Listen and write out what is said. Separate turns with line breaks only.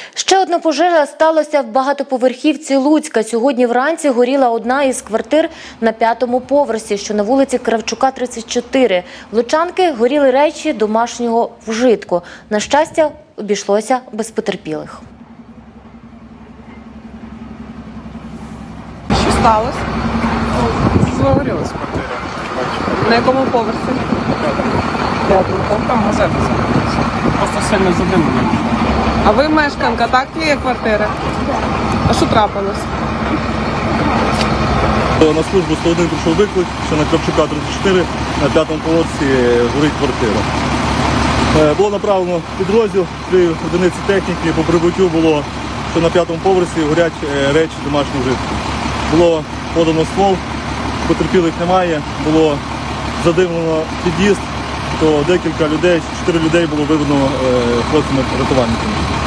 Ще одна пожежа сталася в багатоповерхівці Луцька. Сьогодні вранці горіла одна із квартир на 5-му поверсі, що на вулиці Кравчука, 34. В лучанки горіли речі домашнього вжитку. На щастя, обійшлося без потерпілих.
Що сталося?
Загорілась квартира.
На якому поверсі?
Там газета загорілася. Просто сильно задимлено.
А ви мешканка, так, тієї квартири? А що трапилось?
На службу 101 прийшов виклик, що на Кравчука 34 на 5-му поверсі горить квартира. Було направлено підрозділ, 3 одиниці техніки, по прибуттю було, що на 5-му поверсі горять речі домашнього вжитку. Було подано ствол, потерпілих немає, було задимлено під'їзд, то декілька людей, 4 людей було виведено хлопцями-рятувальниками.